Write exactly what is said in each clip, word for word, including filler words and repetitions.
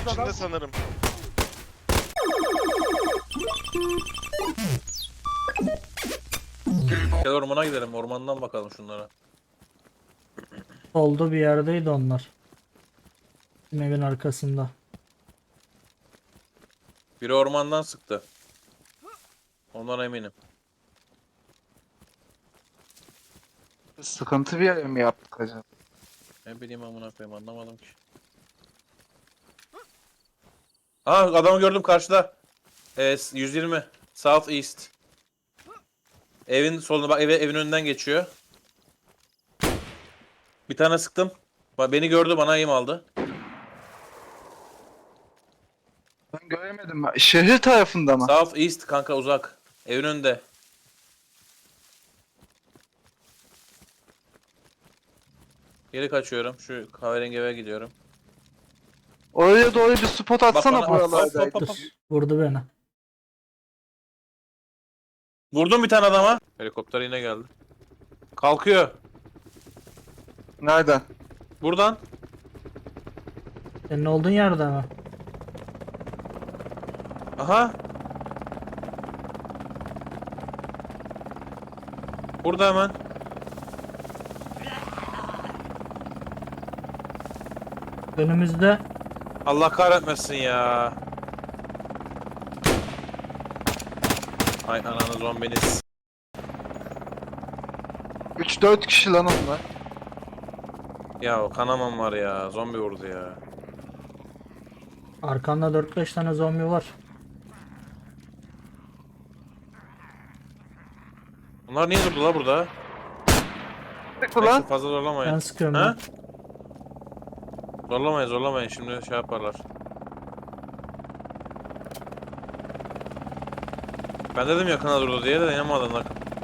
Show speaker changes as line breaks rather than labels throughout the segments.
içinde
adam.
sanırım.
Gel ormana gidelim. Ormandan bakalım şunlara.
Solda bir yerdeydi onlar. Bizim evin arkasında.
Biri ormandan sıktı. Ondan eminim.
Sıkıntı bir yer mi yaptık acaba?
Ne bileyim amına koyayım, anlamadım ki. Aa, adamı gördüm karşıda. Ee, yüz yirmi. South East. Evin soluna bak, eve, evin önünden geçiyor. Bir tane sıktım. Bak, beni gördü, bana aim aldı.
Ben göremedim. Şehir tarafında mı?
South East kanka, uzak. Evin önünde. Geri kaçıyorum. Şu kahverengi eve gidiyorum.
Oraya doğru bir spot atsana
bana-
buralardaydı.
Hop, hop, hop.
Vurdu beni.
Vurdum bir tane adama. Helikopter yine geldi. Kalkıyor.
Nereden?
Buradan.
Senin olduğun yerde mi?
Aha. Burada hemen.
Önümüzde.
Allah kahretmesin ya. Ay ananı zombiniz.
üç dört kişi lan onlar.
Ya o kanamam var ya. Zombi vurdu ya.
Arkanda dört beş tane zombi var.
Bunlar niye durdu la burada?
Sıktı
Neyse,
lan.
fazla zorlamayın.
Ben sıkıyorum
Ha?
ben.
Zorlamayın zorlamayın, şimdi şey yaparlar. Ben dedim yakına durdu diye de inanmadın.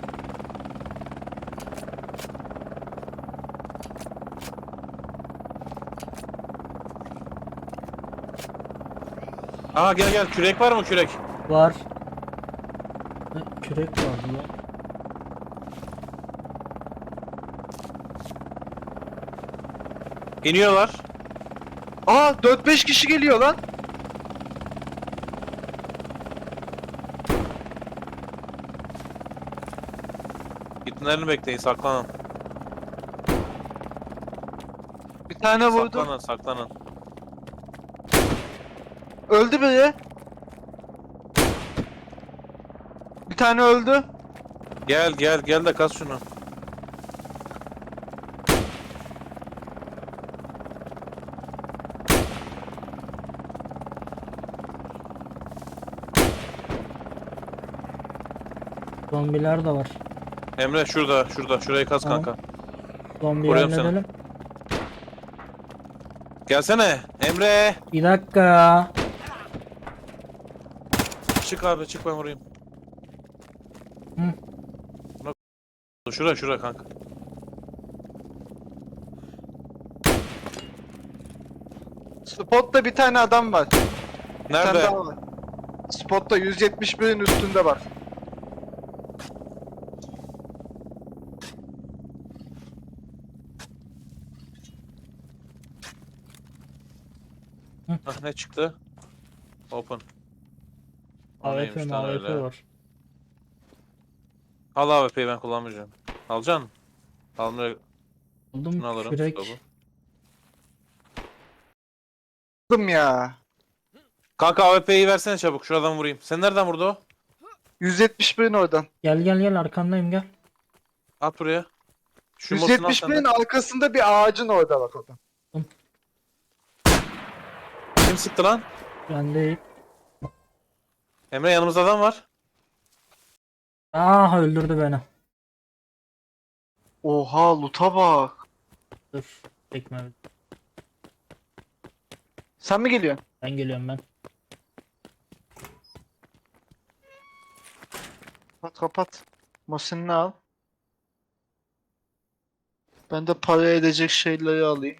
Aa, gel gel, kürek var mı, kürek?
Var. Ne, kürek vardı lan.
İniyorlar.
Aa dört beş kişi geliyor lan.
Gitmelerini bekleyin, saklanın.
Bir tane vurdu.
Saklanın saklanın.
Öldü biri. Bir tane öldü.
Gel gel gel de kas şunu.
Zombiler de var.
Emre şurada şurada, şurayı kas
Tamam.
kanka.
Zombi
Koruyorum seni.
halledelim.
Gelsene Emre.
Bir dakika.
Çık abi, çık, ben vurayım.
Hı.
Şura şura kanka.
Spotta bir tane adam var. Bir tane
Nerede?
daha var. Spotta yüz yetmiş birin üstünde var.
Ah, ne çıktı? Open. O
A W
neymiş
P
lan
M A W P
öyle?
var.
Al A W P'yi, ben kullanmayacağım. Alacaksın mı? Almaya
Buldum
şunu alırım.
kürek.
stop'u.
Aldım ya.
Kanka A W P'yi versene çabuk, şuradan vurayım. Sen nereden vurdu o?
yüz yetmiş birin oradan.
Gel gel gel arkandayım gel.
At buraya. Şu mosunu al
yüz yetmiş
sen de.
birin arkasında bir ağacın orada bak oradan.
Kim sıktı lan?
Ben de
Emre, yanımızda adam var.
Ah öldürdü beni.
Oha loot'a bak.
Dur. Tekme.
Sen mi geliyorsun?
Ben geliyorum ben.
Kapat kapat. Mosinini al. Ben de para edecek şeyleri alayım.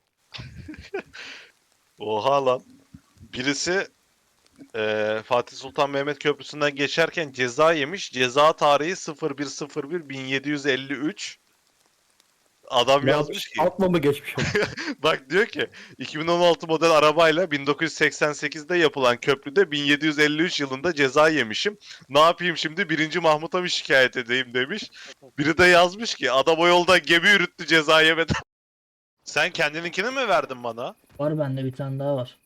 Oha lan. Birisi eee, Fatih Sultan Mehmet Köprüsü'nden geçerken ceza yemiş. Ceza tarihi sıfır bir sıfır bir bin yedi yüz elli üç. Adam
Ne
yazmış ki.
Atma mı geçmiş?
Bak diyor ki iki bin on altı model arabayla bin dokuz yüz seksen sekizde yapılan köprüde bin yedi yüz elli üç yılında ceza yemişim. Ne yapayım şimdi birinci Mahmut'a mı şikayet edeyim demiş. Biri de yazmış ki adam o yolda gemi yürüttü ceza yemeden. Sen kendininkini mi verdin bana?
Var bende bir tane daha var.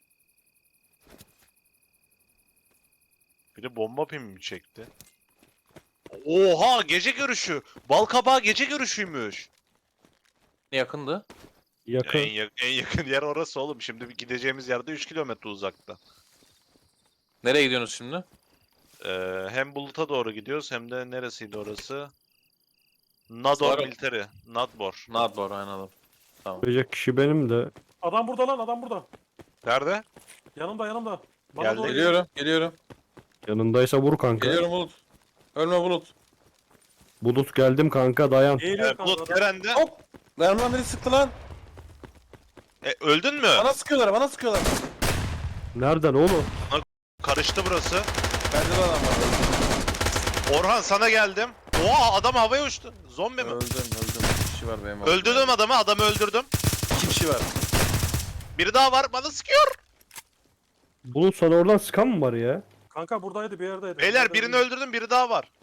Bir de bomba pimi mi çekti? Oha gece görüşü. Balkabağı gece görüşüymüş.
Yakındı.
Yakın.
En, yak- en yakın yer orası oğlum. Şimdi bir gideceğimiz yerde üç kilometre uzakta.
Nereye gidiyorsunuz şimdi?
Ee, hem Bulut'a doğru gidiyoruz hem de neresiydi orası? Nador
Sarı.
Military. Nadbor.
Nadbor aynen adam.
Verecek kişi benim de.
Adam burada lan adam burada.
Nerede?
Yanımda yanımda. Bana
Geldi.
doğru
Geliyorum, geliyorum.
Yanındaysa vur kanka.
Geliyorum Bulut. Ölme Bulut.
Bulut geldim kanka dayan.
Eğiliyor
Ee,
kanka
Bulut
adam.
nerede?
Hop! Mermiler beni sıktı lan.
E, öldün mü?
Bana sıkıyorlar, bana sıkıyorlar.
Nereden oğlum?
Karıştı burası.
Bende de adam var.
Orhan sana geldim. Oha adam havaya uçtu. Zombi mi?
Öldüm, öldüm. Bir kişi var benim.
Öldürdüm adamı. Adamı öldürdüm.
İki kişi var.
Biri daha var. Bana sıkıyor.
Bulut sana oradan sıkan mı var ya?
Kanka buradaydı bir yerdeydi.
Beyler
Nerede
birini
bilmiyorum.
öldürdüm. Biri daha var.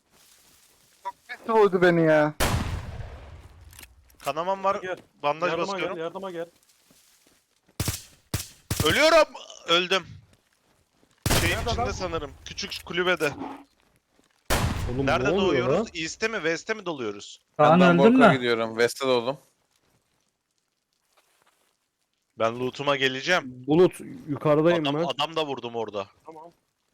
Ne vurdu beni ya?
Kanamam var.
Gel.
Bandaj
Yardıma
basıyorum.
gel yardıma gel.
Ölüyorum. Öldüm. Şeyin
Nerede
içinde
lan?
sanırım. Küçük kulübede.
Oğlum
Nerede
ne oluyor
doğuyoruz?
lan?
East'te mi? West'te mi doluyoruz?
Kaan
Ben
öldün
Bork'a
mü?
gidiyorum. West'e doğdum.
Ben loot'uma geleceğim.
Bulut yukarıdayım
Adam,
ben.
adam da vurdum orada.
Tamam.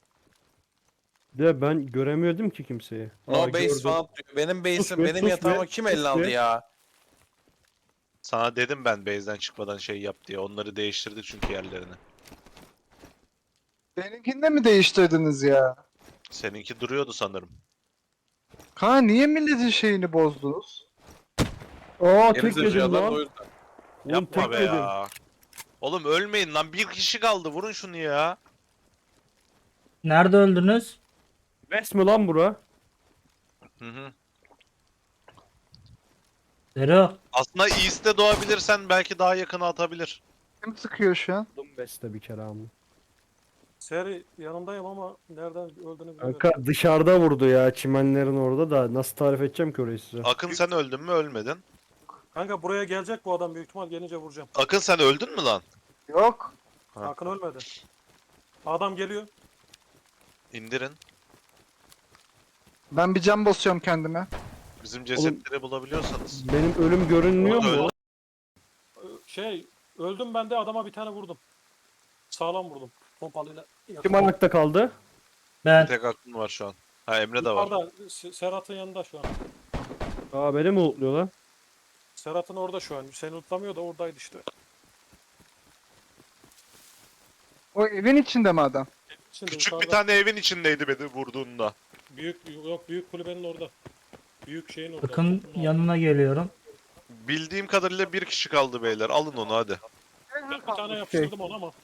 De ben göremiyordum ki kimseyi.
No
Aa,
base
gördüm.
falan diyor. Benim
Sus
base'im,
be,
benim
sus
yatağıma
be,
kim
sus
elle aldı
be.
ya?
Sana dedim ben base'den çıkmadan şey yap diye. Onları değiştirdi çünkü yerlerini.
Benimkini de mi değiştirdiniz ya?
Seninki duruyordu sanırım.
Ha niye milletin şeyini bozdunuz?
Aa tek
Geri
yedim
zekalar da o
lan.
yüzden.
Oğlum
Yapma
tek
be
yedim.
ya. Oğlum ölmeyin lan. Bir kişi kaldı. Vurun şunu ya.
Nerede öldünüz?
West mi lan bura?
Hı hı.
Zero.
Aslında East'te doğabilirsen belki daha yakına atabilir.
Kim sıkıyor şu an?
Oğlum West'te bir kere ama.
Seri yanındayım ama nereden öldüğünü bilmiyorum.
Kanka dışarıda vurdu ya çimenlerin orada da nasıl tarif edeceğim ki orayı size?
Akın sen öldün mü? Ölmedin.
Kanka buraya gelecek bu adam büyük ihtimal gelince vuracağım.
Akın sen öldün mü lan?
Yok.
Ha.
Akın ölmedi. Adam geliyor.
İndirin.
Ben bir cam basıyorum kendime.
Bizim cesetleri bulabiliyorsanız.
Benim ölüm görünmüyor
Öldü.
mu?
Ö- Şey öldüm ben de adama bir tane vurdum. Sağlam vurdum. Pompalıyla.
Kim ayakta kaldı?
Bir
Ben.
tek aklım var şu an. Ha Emre de var.
Yukarıda S- Serhat'ın yanında şu an.
Aa beni mi ultluyor lan?
Serhat'ın orada şu an. Seni utlamıyor da oradaydı işte.
O evin içinde mi adam?
Şimdi
Küçük bir
yukarıda
tane evin içindeydi beni vurduğunda.
büyük yok büyük kulübenin orada. Büyük şeyin orada.
Akın
Topun
yanına geliyorum.
Bildiğim kadarıyla bir kişi kaldı beyler. Alın onu hadi.
Ben bir tane yapıştırdım ona ama.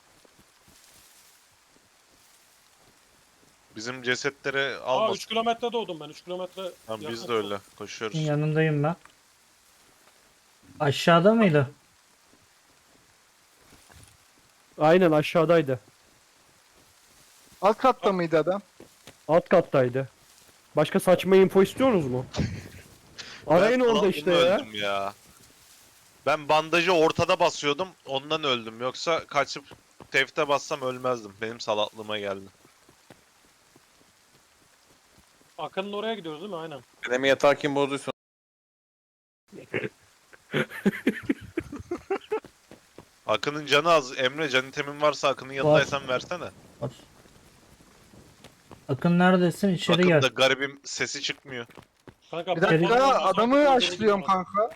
Bizim cesetleri
Aa
almasın.
üç kilometre doğdum ben. üç kilometre.
Tamam, biz
yakın.
de öyle koşuyoruz.
Yanındayım ben. Aşağıda mıydı?
Aynen aşağıdaydı.
Alt katta mıydı adam?
Alt kattaydı. Başka saçma info istiyorsunuz mu? Arayın
Ben
orada
falan
işte
bununla
ya.
öldüm ya. Ben bandajı ortada basıyordum. Ondan öldüm. Yoksa kaçıp tefte bassam ölmezdim. Benim salaklığıma geldi.
Akın'ın oraya gidiyoruz değil mi? Aynen.
Benim yatağı kim bozduysa.
Akın'ın canı az. Emre can itemin varsa Akın'ın yanındaysan versene.
Var. Akın neredesin? İçeri
Akın
gel.
da garibim sesi çıkmıyor.
Kanka
Bir
ben-
dakika
ben-
adamı
ben-
açlıyorum kanka.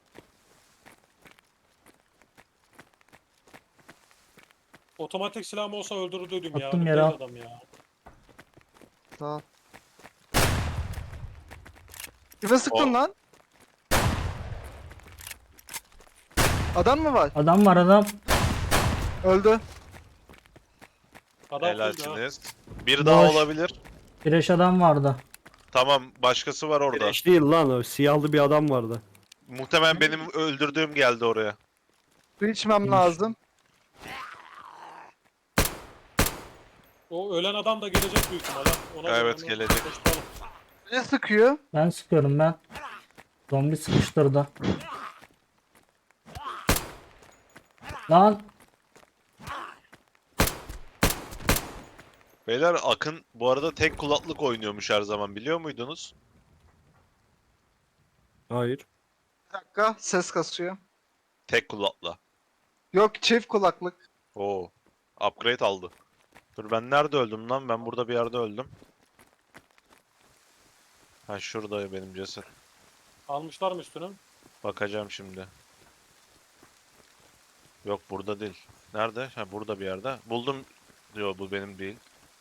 Otomatik silahım olsa öldürürdüm ya.
Attım
Bu
yere
değil
al.
adam ya.
Sağ ol. Kime sıktın
O-
lan? Adam mı var?
Adam var adam.
Öldü.
Adam full ya.
Helalsiniz. Bir daha
Boş.
olabilir.
Bireş adam vardı.
Tamam başkası var orada.
Güneş değil lan o siyahlı bir adam vardı.
Muhtemelen benim öldürdüğüm geldi oraya.
Su içmem lazım.
O ölen adam da gelecek büyük ihtimalle. Ona göre
Evet,
onu
gelecek.
koşturalım.
Ne sıkıyor?
Ben sıkıyorum ben. Zombi sıkıştırdı. Lan
Beyler Akın bu arada tek kulaklık oynuyormuş her zaman, biliyor muydunuz?
Hayır.
Bir dakika ses kasıyor.
Tek kulakla.
Yok çift kulaklık.
Oo. Upgrade aldı. Dur, ben nerede öldüm lan? Ben burada bir yerde öldüm. Ha, şurada benim ceset.
Almışlar mı üstünü?
Bakacağım şimdi. Yok, burada değil. Nerede? Ha, burada bir yerde. Buldum. Yok, bu benim değil.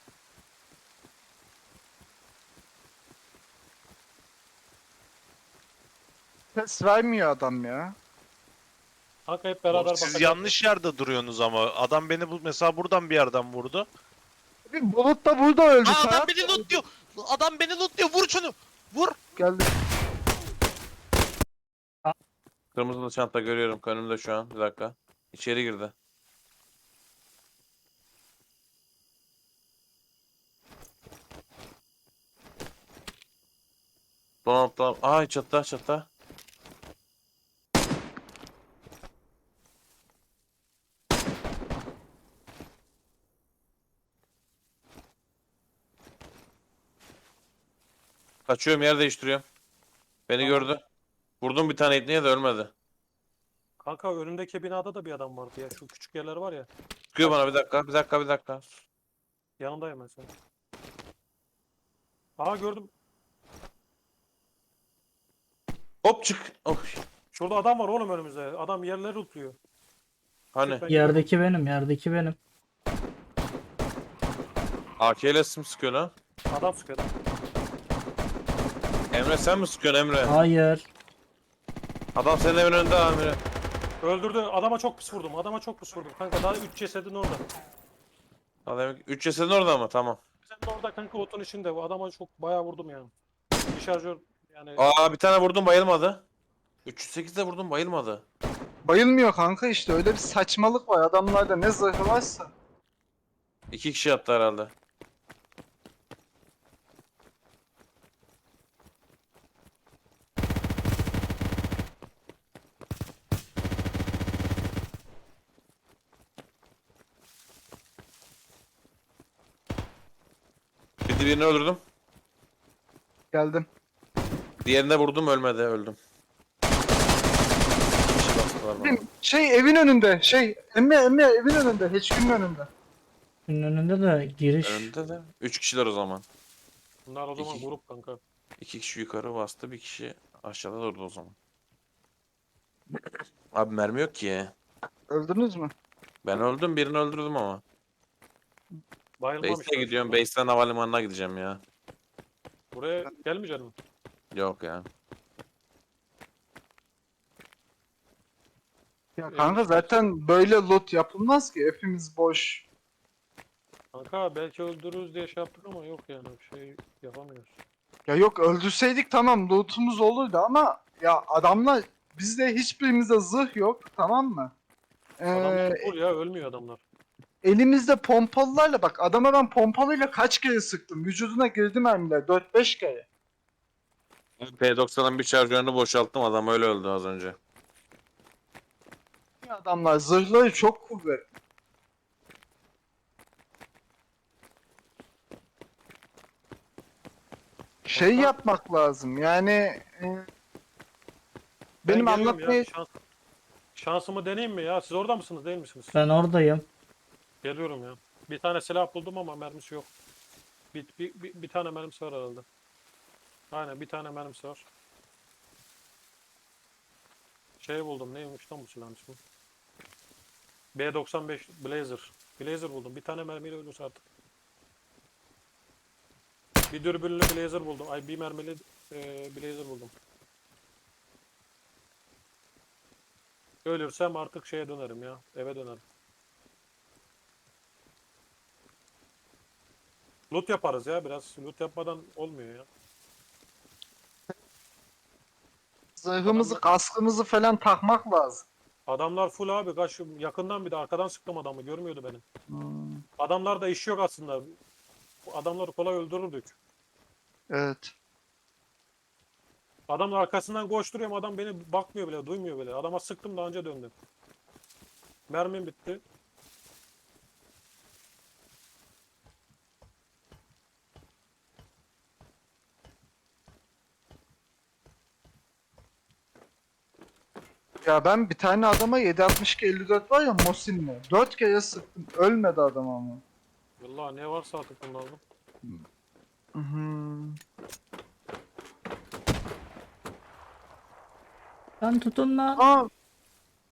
Ses vermiyor adam ya.
Kanka hep beraber
Oğlum, siz
bakacağız.
yanlış yerde duruyorsunuz ama. Adam beni bu mesela buradan bir yerden vurdu.
Bir Bulut da burada öldü.
Aa,
Serhat
adam beni lootluyor. Adam beni lootluyor. Vur şunu. Vur.
geldi.
Kırmızılı çanta görüyorum önümde şu an. Bir dakika. İçeri girdi. Tamam tamam. Ay çatta çatta. Kaçıyorum, yer değiştiriyorum. Beni
Tamam.
gördü. Vurdum bir tane ipneye de ölmedi.
Kanka önündeki binada da bir adam vardı ya. Şu küçük yerler var ya.
Sıkıyor bana, bir dakika bir dakika bir dakika.
Yanındayım ben senin. Aha gördüm.
Hop çık. Oh.
Şurada adam var oğlum önümüzde. Adam yerleri lootluyor.
Hani
Ben
yerdeki benim, yerdeki benim.
A K ile sim sıkıyor lan.
Adam sıkıyor.
Emre sen mi sıkıyorsun Emre?
Hayır.
Adam senin evin önünde amire.
Öldürdü. Adama çok pis vurdum. Adama çok pis vurdum. Kanka daha üç cesedin orada.
Adam üç cesedin orada mı? Tamam.
Sen de orada kanka otun içinde. Bu adama çok bayağı vurdum yani. Bir şarjör yani.
Aa bir tane vurdum bayılmadı. üç yüz sekizde vurdum bayılmadı.
Bayılmıyor kanka işte öyle bir saçmalık var adamlarda ne zırhı varsa.
İki kişi yattı herhalde. Bir birini öldürdüm.
Geldim.
Diğerine vurdum ölmedi, öldüm. İki kişi bastılar bana.
Bir Şey evin önünde şey Emre Emre evin önünde hiçbirinin önünde.
Bunun önünde de giriş.
Önünde de. Üç kişiler o zaman.
Bunlar o zaman
İki.
grup kanka.
İki kişi yukarı bastı, bir kişi aşağıda durdu o zaman. Abi mermi yok ki.
Öldünüz mü?
Ben öldüm, birini öldürdüm ama.
Bayılmamışlar.
Base'e gidiyorum,
Şurada.
base'ten havalimanına gideceğim ya.
Buraya gelmeyecek mi?
Yok ya.
Ya kanka zaten böyle loot yapılmaz ki hepimiz boş.
Kanka belki öldürürüz diye şey yaptık ama yok yani bir şey yapamıyoruz.
Ya yok öldürseydik tamam lootumuz olurdu ama ya adamla bizde hiçbirimizde zırh yok tamam mı? Ee,
Adamlar full ya ölmüyor adamlar.
elimizde pompalılarla bak adama ben pompalıyla kaç kere sıktım. Vücuduna girdi mermiler dört beş kere.
P doksanın bir şarjörünü boşalttım, adam öyle öldü az önce.
Adamlar zırhları çok kuvvetli. Şey
Kanka-
yapmak lazım yani e,
Ben
benim
geliyorum
anlatmaya
ya, şans, şansımı deneyeyim mi ya? Siz orada mısınız değil misiniz?
Ben oradayım.
Geliyorum ya. Bir tane silah buldum ama mermisi yok. Bir, bir, bir, bir tane mermisi var herhalde. Aynen bir tane mermisi var. Şey buldum neymiş lan bu silahın ismi? B doksan beş Blazer. Blazer buldum. Bir tane mermiyle ölürse artık. Bir dürbünlü Blazer buldum. Ay bir mermili e, Blazer buldum. Ölürsem artık şeye dönerim ya. Eve dönerim. Loot yaparız ya biraz. Loot yapmadan olmuyor ya.
Zırhımızı, kaskımızı falan takmak lazım.
Adamlar full abi. Kaç yakından bir de arkadan sıktım adamı. Görmüyordu beni.
Hmm,
Adamlarda iş yok aslında. Bu adamları kolay öldürürdük.
evet.
Adamın arkasından koşturuyorum. Adam beni bakmıyor bile, duymuyor bile. Adama sıktım daha önce döndüm. Mermim bitti.
Ya ben bir tane adama yedi altmış iki elli dört var ya Mosin'le. dört kere sıktım. Ölmedi adam ama.
Vallahi ne varsa artık bunlarda.
Hmm.
Lan tutun lan.
Aa,